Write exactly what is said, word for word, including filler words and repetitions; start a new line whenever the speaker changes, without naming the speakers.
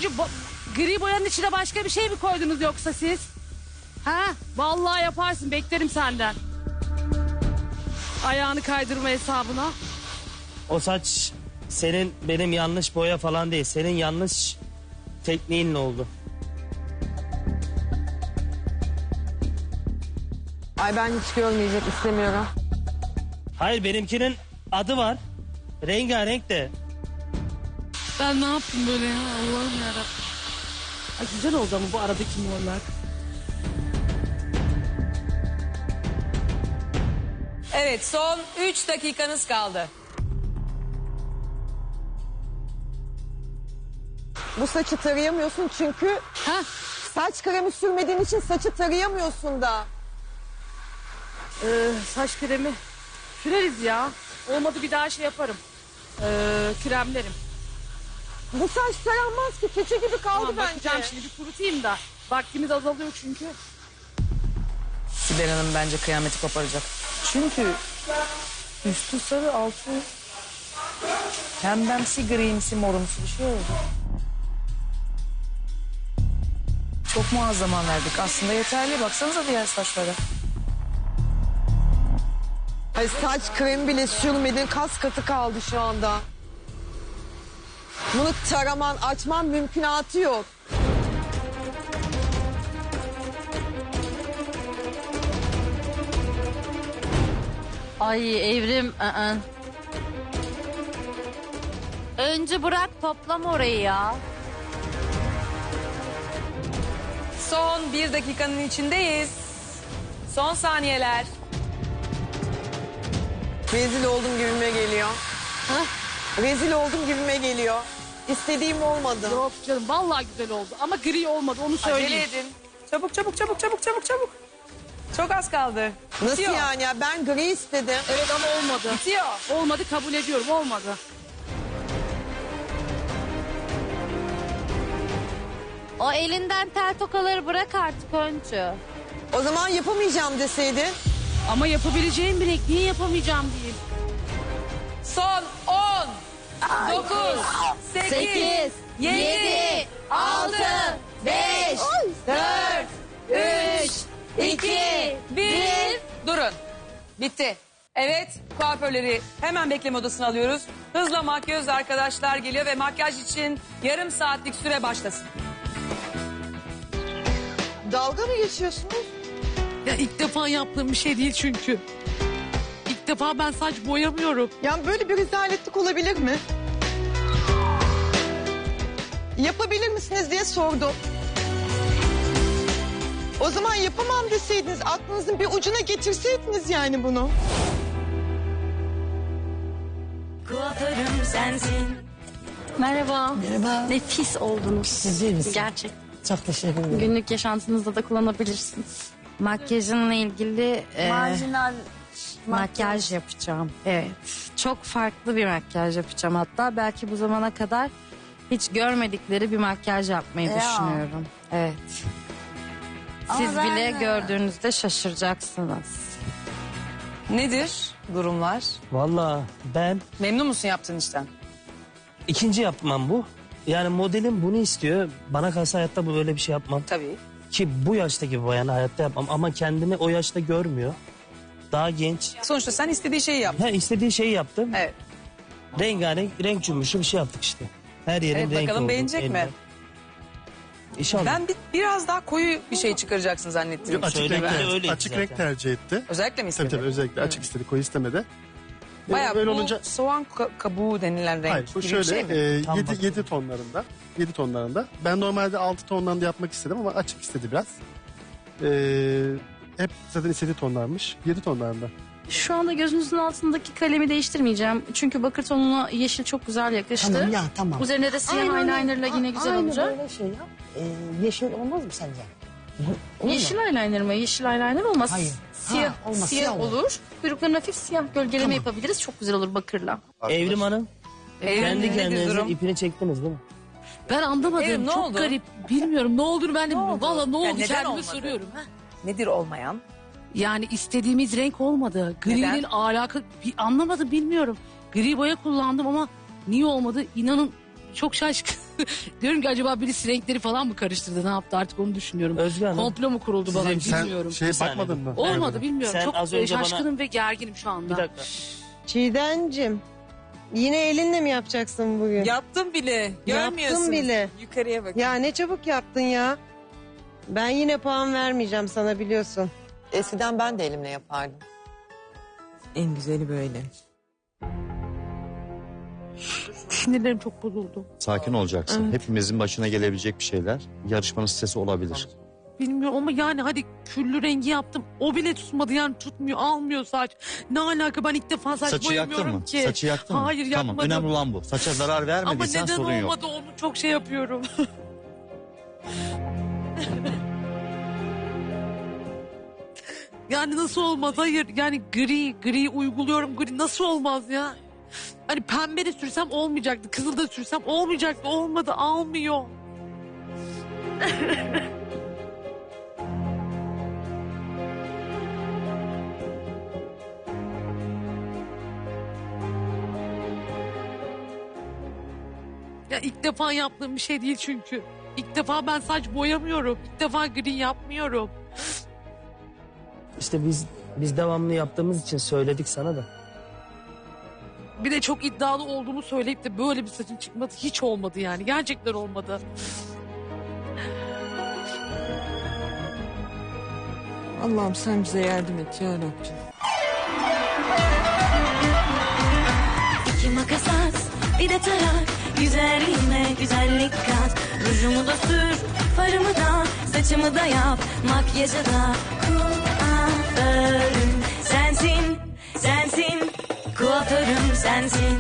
Turuncu bo- gri boyanın içine başka bir şey mi koydunuz yoksa siz? Ha? Vallahi yaparsın, beklerim senden. Ayağını kaydırma hesabına.
O saç senin benim yanlış boya falan değil. Senin yanlış tekniğinle oldu.
Ay ben hiç görmeyecek istemiyorum.
Hayır, benimkinin adı var. Rengarenk de.
Ben ne yaptım böyle ya, Allah'ım yarabbim. Ay güzel oldu ama bu aradaki morlar.
Evet, son üç dakikanız kaldı.
Bu saçı tarayamıyorsun çünkü
Ha?
saç kremi sürmediğin için saçı tarayamıyorsun da.
Ee, saç kremi süreriz ya. Olmadı bir daha şey yaparım. Ee, kremlerim.
Bu saç taranmaz ki, keçe gibi kaldı
Tamam,
bence.
bakacağım şimdi, bir kurutayım da. Vaktimiz azalıyor çünkü.
Sibel Hanım bence kıyameti koparacak. Çünkü üstü sarı, altı pembemsi, grimsi, morumsu bir şey oldu. Çok muazzama verdik. Aslında yeterli. Baksanıza diğer saçlara.
Ay saç kremi bile sürmedin, kas katı kaldı şu anda. Bunu taraman, açman mümkünatı yok.
Ay Evrim. ı-ı. Önce bırak toplam orayı ya.
Son bir dakikanın içindeyiz. Son saniyeler.
Rezil oldum gibime geliyor. Rezil oldum gibime geliyor. İstediğim olmadı.
Yok canım, vallahi güzel oldu ama gri olmadı, onu söyleyeyim.
Acele edin. Çabuk çabuk çabuk çabuk çabuk çabuk. Çok az kaldı.
Nasıl
Bitiyor.
yani ya? Ben gri istedim.
Evet ama olmadı.
Bitiyor.
Olmadı, kabul ediyorum, olmadı.
O elinden tel tokaları bırak artık Öncü.
O zaman yapamayacağım deseydin.
Ama yapabileceğim bile, niye yapamayacağım diyeyim.
Son on, dokuz, sekiz, yedi, altı, beş, dört, üç, iki, bir. Durun. Bitti. Evet, kuaförleri hemen bekleme odasına alıyoruz. Hızla makyöz arkadaşlar geliyor ve makyaj için yarım saatlik süre başlasın.
Dalga mı geçiyorsunuz?
Ya ilk defa yaptığım bir şey değil çünkü. İlk defa ben saç boyamıyorum.
Yani böyle bir rezaletlik olabilir mi? Yapabilir misiniz diye sordum. O zaman yapamam deseydiniz, aklınızın bir ucuna getirseydiniz yani bunu.
Kuaförüm sensin.
Merhaba.
Merhaba.
Nefis oldunuz.
Siz iyi misiniz?
Gerçek.
Çok teşekkür ederim.
Günlük yaşantınızda da kullanabilirsiniz.
Makyajınla ilgili e,
Marjinal
makyaj yapacağım. Evet. Çok farklı bir makyaj yapacağım hatta. Belki bu zamana kadar hiç görmedikleri bir makyaj yapmayı
Ya.
düşünüyorum. Evet. Siz
Ama ben
bile
de-
gördüğünüzde şaşıracaksınız.
Nedir durumlar?
Vallahi ben
Memnun musun yaptığın işten?
ikinci yapmam bu. Yani modelim bunu istiyor. Bana kalsa hayatta bu böyle bir şey yapmam.
Tabii.
Ki bu yaştaki bir bayanı hayatta yapmam. Ama kendini o yaşta görmüyor. Daha genç.
Sonuçta sen istediği şeyi yap.
Ha, istediği şeyi yaptım.
Evet.
Rengarenk, renk cümbüşü bir şey yaptık işte. Her yerin
Evet,
renk
bakalım
oldu,
beğenecek mi?
elle. İnşallah.
Ben bir, biraz daha koyu bir şey çıkaracaksın zannettim.
Yok, açık
Söylemede
renk,
öyleydi
açık
zaten.
renk tercih etti.
Özellikle mi
Tabii
istedin?
tabii özellikle açık istedi, koyu istemedi. Ee,
Bayağı
böyle
bu
olunca
soğan ka- kabuğu denilen renk
hayır bu
gibi
şöyle
bir şey mi?
e,
Tam
yedi,
bak-
yedi tonlarında. yedi tonlarında. Ben normalde altı tondan da yapmak istedim ama açık istedi biraz. Ee, hep zaten istediği tonlarmış. yedi tonlarında.
Şu anda gözünüzün altındaki kalemi değiştirmeyeceğim. Çünkü bakır tonuna yeşil çok güzel yakıştı.
Tamam ya tamam.
Üzerine de siyah eyelinerla yine güzel
Aynı
olacak.
böyle şey yap. Ee, yeşil olmaz mı sence? Olur mu?
Yeşil eyeliner mi? Yeşil eyeliner olmaz.
Hayır.
Siyah,
Ha, olmaz,
siyah
siyah olur.
olur. Kuyruklarına hafif siyah gölgeleme yapabiliriz. Çok güzel olur bakırla.
Evrim Hanım,
Evrim,
kendi
nedir
kendinizin
durum?
ipini çektiniz değil mi?
Ben anlamadım.
Evrim, ne
Çok
oldu?
garip. Bilmiyorum ne olduğunu ben de
Ne
bilmiyorum.
oldu?
Valla ne
Ya
oldu
neden
kendime
olmadı?
soruyorum. Ha?
Nedir olmayan?
Yani istediğimiz renk olmadı. Gri'nin
Neden?
alaka bir anlamadım, bilmiyorum. Gri boya kullandım ama niye olmadı? İnanın çok şaşkın. Diyorum ki acaba birisi renkleri falan mı karıştırdı? Ne yaptı artık onu düşünüyorum.
Özge Hanım.
Komplo mu kuruldu bana
Sizin-
bilmiyorum.
Sen şeye
Bir saniye.
bakmadın mı?
Olmadı bilmiyorum.
Sen
çok
az
e,
önce bana-
şaşkınım ve gerginim şu anda.
Bir dakika.
Çiğdem'cim yine elinle mi yapacaksın bugün?
Yaptım bile. Görmüyorsunuz.
Yaptım bile.
Yukarıya bakın.
Ya ne çabuk yaptın ya. Ben yine puan vermeyeceğim sana biliyorsun.
Eskiden ben de elimle yapardım. En güzeli böyle.
Sinirlerim çok bozuldu.
Sakin olacaksın.
Evet.
Hepimizin başına gelebilecek bir şeyler. Yarışmanın stresi olabilir.
Bilmiyorum ama yani hadi küllü rengi yaptım. O bile tutmadı yani tutmuyor almıyor saç. Ne alaka ben ilk defa saç
Saçı yaktın
boyamıyorum
mı?
ki.
Saçı yaktın mı?
Hayır
Tamam,
yakmadım.
önemli olan bu. Saça zarar
Ama
vermediysen
neden
sorun yok.
olmadı onu çok şey yapıyorum. Yani nasıl olmaz? Hayır yani gri gri uyguluyorum gri nasıl olmaz ya? Hani pembe de sürsem olmayacaktı. Kızıl da sürsem olmayacaktı. Olmadı almıyor. Ya ilk defa yaptığım bir şey değil çünkü. İlk defa ben saç boyamıyorum. İlk defa gri yapmıyorum.
İşte biz biz devamlı yaptığımız için söyledik sana da.
Bir de çok iddialı olduğumu söyleyip de böyle bir saçın çıkması hiç olmadı yani. Gerçekten olmadı.
Allah'ım sen bize yardım et ya Rabbim.
İki makas at, bir de tarak. Güzelliğime güzellik kat. Rujumu da sür, farımı da, saçımı da yap. Makyajı da kuaförüm sensin, sensin. Kuaförüm sensin.